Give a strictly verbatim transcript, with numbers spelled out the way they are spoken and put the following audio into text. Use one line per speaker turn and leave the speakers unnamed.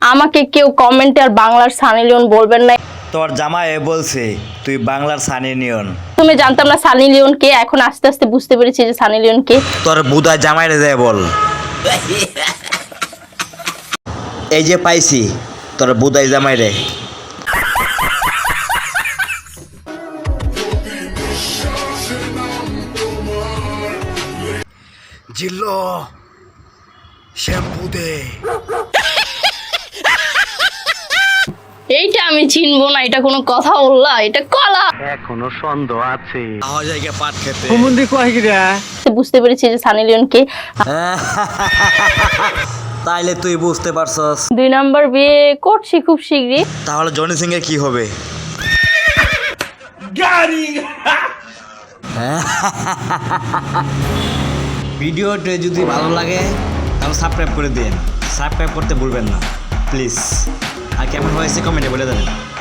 আমাকে কেউ কমেন্টে আর বাংলার সানি লিওন বলবেন না।
তোর জামাই বলছে তুই বাংলার সানি লিওন।
তুমি জানতাম না সানি লিওন কে, এখন আস্তে আস্তে বুঝতে পেরেছি যে সানি লিওন কে।
তোর বুদা জামাইরে যায় বল। এই যে পাইছি তোর বুদাই জামাইরে। জিল্লো শ্যাম্পু দে।
এইটা আমি চিনবো না, এটা কোনো কথা বললা? এটা কলা।
এখনো সন্দেহ আছে।
আওয়া জায়গা পাট খেতে।
হুমুন্দি কয় গিরা
বুঝতে পেরেছি যে সানি লিওন কে।
তাইলে তুই বুঝতে পারছস।
দুই নাম্বার বিয়ে করছি খুব শীঘ্রই।
তাহলে জনি সিং এর কি হবে? ভিডিওটা যদি ভালো লাগে তাহলে সাবস্ক্রাইব করে দিন। সাবস্ক্রাইব করতে ভুলবেন না প্লিজ। আর কেমন হয়েছে কমেন্টে বলে দেবেন।